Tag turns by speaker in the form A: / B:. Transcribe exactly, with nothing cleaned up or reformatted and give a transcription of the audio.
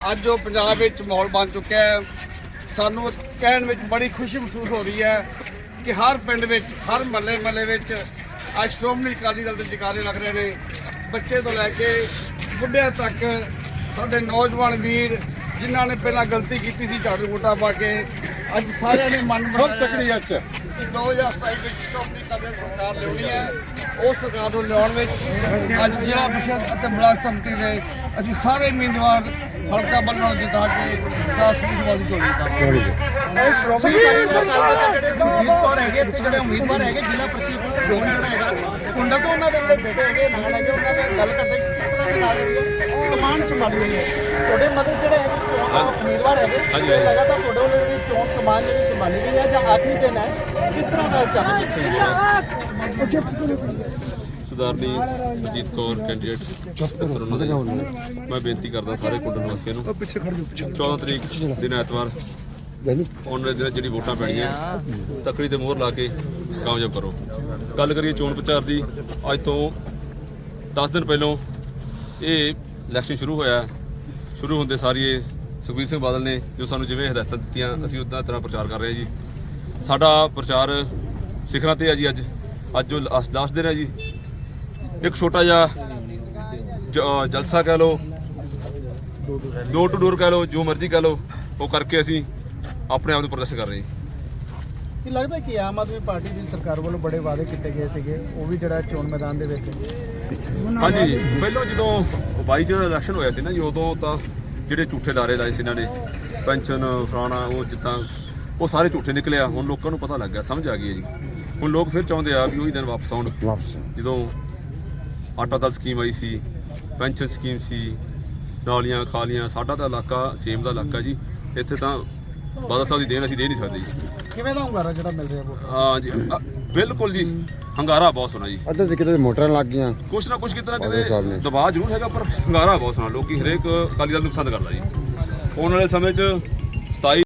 A: ਅੱਜ ਜੋ ਪੰਜਾਬ ਵਿੱਚ ਮਾਹੌਲ ਬਣ ਚੁੱਕਿਆ ਹੈ, ਸਾਨੂੰ ਇਸ ਕਹਿਣ ਵਿੱਚ ਬੜੀ ਖੁਸ਼ੀ ਮਹਿਸੂਸ ਹੋ ਰਹੀ ਹੈ ਕਿ ਹਰ ਪਿੰਡ ਵਿੱਚ, ਹਰ ਮਹੱਲੇ ਮਹੱਲੇ ਵਿੱਚ ਅੱਜ ਸ਼੍ਰੋਮਣੀ ਅਕਾਲੀ ਦਲ ਦੇ ਜੈਕਾਰੇ ਲੱਗ ਰਹੇ ਨੇ। ਬੱਚੇ ਤੋਂ ਲੈ ਕੇ ਬੁੱਢਿਆਂ ਤੱਕ ਸਾਡੇ ਨੌਜਵਾਨ ਵੀਰ ਜਿਨ੍ਹਾਂ ਨੇ ਪਹਿਲਾਂ ਗਲਤੀ ਕੀਤੀ ਸੀ ਝਾੜੂ ਵੋਟਾਂ ਪਾ ਕੇ, ਅੱਜ ਸਾਰਿਆਂ ਨੇ ਮਨ ਬਣਾਇਆ ਕਿ ਦੋ ਹਜ਼ਾਰ ਸਤਾਈ ਵਿੱਚ ਸ਼੍ਰੋਮਣੀ ਅਕਾਲੀ ਦਲ ਸਰਕਾਰ ਲਿਆਉਣੀ ਹੈ। ਉਸ ਸਰਕਾਰ ਨੂੰ ਲਿਆਉਣ ਵਿੱਚ ਅੱਜ ਜ਼ਿਲ੍ਹਾ ਪ੍ਰੀਸ਼ਦ ਅਤੇ ਬਲਾਕ ਸੰਮਤੀ ਦੇ ਅਸੀਂ ਸਾਰੇ ਉਮੀਦਵਾਰ ਹਲਕਾ ਬਲਨੋਂ ਜਿਤਾ ਕੇ ਸਾਸਰੀ ਸਵਾਦੀ ਝੋਲੀ ਪਾਵਾਂਗੇ।
B: ਇਹ ਸ਼੍ਰੋਮਣੀ ਅਕਾਲੀ ਦਲ ਦੇ ਜਿਹੜੇ ਸੁਰਜੀਤ ਕੌਰ ਹੈਗੇ ਤੇ ਜਿਹੜੇ ਉਮੀਦਵਾਰ ਹੈਗੇ ਜ਼ਿਲ੍ਹਾ ਪ੍ਰੀਸ਼ਦ ਚੋਣ ਜਿਹੜਾ ਹੈਗਾ ਕੁੰਡਾ ਤੋਂ ਉਹਨਾਂ ਦੇ ਜਿਹੜੇ ਬੇਟੇ ਹੈਗੇ ਨਾਲ ਹੈਗੇ ਉਹਨਾਂ ਦੇ ਗੱਲ ਕਰਦੇ ਕਿਸ ਤਰ੍ਹਾਂ ਦੇ ਨਾਲ ਜਿਹੜੀ ਹੈ ਕਮਾਂਡ ਸੰਭਾਲੀ ਹੋਈ ਹੈ। ਤੁਹਾਡੇ ਮਤਲਬ ਜਿਹੜੇ ਹੈਗੇ ਚੋਣ ਉਮੀਦਵਾਰ ਹੈਗੇ ਇਹ ਲਗਾਤਾਰ ਤੁਹਾਡੇ ਵੱਲੋਂ ਜਿਹੜੀ ਚੋਣ ਕਮਾਂਡ ਜਿਹੜੀ ਸੰਭਾਲੀ ਗਈ ਹੈ ਜਾਂ ਆਖਰੀ ਦਿਨ ਹੈ, ਕਿਸ ਤਰ੍ਹਾਂ ਦਾ ਚੱਲ ਰਿਹਾ?
C: ਸਰਦਾਰਨੀ ਸੁਰਜੀਤ ਕੌਰ ਕੈਂਡੀਡੇਟ, ਮੈਂ ਬੇਨਤੀ ਕਰਦਾ ਸਾਰੇ ਕੁੰਡ ਨਿਵਾਸੀਆਂ ਨੂੰ ਚੌਦਾਂ ਤਰੀਕ ਦਿਨ ਐਤਵਾਰ ਉਹਨਾਂ ਦੇ ਜਿਹੜੀ ਵੋਟਾਂ ਪੈਣੀਆਂ ਤਕੜੀ ਤੇ ਮੋਹਰ ਲਾ ਕੇ ਕਾਮਯਾਬ ਕਰੋ। ਗੱਲ ਕਰੀਏ ਚੋਣ ਪ੍ਰਚਾਰ ਦੀ, ਅੱਜ ਤੋਂ ਦਸ ਦਿਨ ਪਹਿਲਾਂ ਇਹ ਇਲੈਕਸ਼ਨ ਸ਼ੁਰੂ ਹੋਇਆ। ਸ਼ੁਰੂ ਹੁੰਦੇ ਸਾਰੀ ਇਹ ਸੁਖਬੀਰ ਸਿੰਘ ਬਾਦਲ ਨੇ ਜੋ ਸਾਨੂੰ ਜਿਵੇਂ ਹਦਾਇਤਾਂ ਦਿੱਤੀਆਂ ਅਸੀਂ ਉੱਦਾਂ ਤਰ੍ਹਾਂ ਪ੍ਰਚਾਰ ਕਰ ਰਹੇ ਹਾਂ ਜੀ। ਸਾਡਾ ਪ੍ਰਚਾਰ ਸਿਖਰਾਂ ਤੇ ਹੈ ਜੀ। ਅੱਜ ਅੱਜ ਜੋ ਲਾਸਟ ਦਿਨ ਹੈ ਜੀ, ਇੱਕ ਛੋਟਾ ਜਿਹਾ ਜਲਸਾ ਕਹਿ ਲਓ, ਡੋਰ ਟੂ ਡੋਰ ਕਹਿ ਲਓ, ਜੋ ਮਰਜ਼ੀ ਕਹਿ ਲਓ, ਉਹ ਕਰਕੇ ਅਸੀਂ ਆਪਣੇ ਆਪ ਨੂੰ ਪ੍ਰਦਰਸ਼ਨ ਕਰ ਰਹੇ ਹਾਂ।
B: ਕੀ ਲੱਗਦਾ ਕਿ ਆਮ ਆਦਮੀ ਪਾਰਟੀ ਦੀ ਸਰਕਾਰ ਵੱਲੋਂ ਬੜੇ ਵਾਅਦੇ ਕੀਤੇ ਗਏ ਸੀਗੇ, ਉਹ ਵੀ ਜਿਹੜਾ ਚੋਣ ਮੈਦਾਨ ਦੇ ਵਿੱਚ
C: ਹਾਂਜੀ, ਪਹਿਲਾਂ ਜਦੋਂ ਬਾਈ ਚ ਇਲੈਕਸ਼ਨ ਹੋਇਆ ਸੀ ਨਾ ਜੀ, ਉਦੋਂ ਤਾਂ ਜਿਹੜੇ ਝੂਠੇ ਲਾਰੇ ਲਾਏ ਸੀ ਇਹਨਾਂ ਨੇ, ਪੈਨਸ਼ਨ ਫਲਾਣਾ ਉਹ ਜਿੱਦਾਂ, ਉਹ ਸਾਰੇ ਝੂਠੇ ਨਿਕਲੇ ਆ। ਹੁਣ ਲੋਕਾਂ ਨੂੰ ਪਤਾ ਲੱਗ ਗਿਆ, ਸਮਝ ਆ ਗਈ ਹੈ ਜੀ। ਹੁਣ ਲੋਕ ਫਿਰ ਚਾਹੁੰਦੇ ਆ ਵੀ ਉਹੀ ਦਿਨ ਵਾਪਸ ਆਉਣ ਜਦੋਂ ਆਟਾ ਦਾਲ ਸਕੀਮ ਆਈ ਸੀ, ਪੈਨਸ਼ਨ ਸਕੀਮ ਸੀ, ਨਾਲੀਆਂ ਖਾਲੀਆਂ। ਸਾਡਾ ਤਾਂ ਇਲਾਕਾ ਸੇਮ ਦਾ ਇਲਾਕਾ ਜੀ, ਇੱਥੇ ਤਾਂ ਬਾਦਲ ਸਾਹਿਬ ਦੀ ਦੇਣ ਅਸੀਂ ਦੇ ਨਹੀਂ ਸਕਦੇ ਜੀ।
B: ਕਿਵੇਂ ਦਾ ਹੁੰਗਾਰਾ ਜਿਹੜਾ ਮਿਲ ਰਿਹਾ?
C: ਹਾਂ ਜੀ, ਬਿਲਕੁਲ ਜੀ, ਹੰਗਾਰਾ ਬਹੁਤ ਸੋਹਣਾ ਜੀ।
D: ਅੱਧੇ ਤੇ ਕਿਤੇ ਮੋਟਰਾਂ ਲੱਗ ਗਈਆਂ,
C: ਕੁਛ ਨਾ ਕੁਛ ਕਿਤੇ ਨਾ ਕਿਤੇ ਦਬਾਅ ਜ਼ਰੂਰ ਹੈਗਾ, ਪਰ ਹੰਗਾਰਾ ਬਹੁਤ ਸੋਹਣਾ। ਲੋਕੀ ਹਰੇਕ ਅਕਾਲੀ ਦਲ ਨੂੰ ਪਸੰਦ ਕਰਦਾ ਜੀ। ਆਉਣ ਵਾਲੇ ਸਮੇਂ 'ਚ ਸਤਾਈ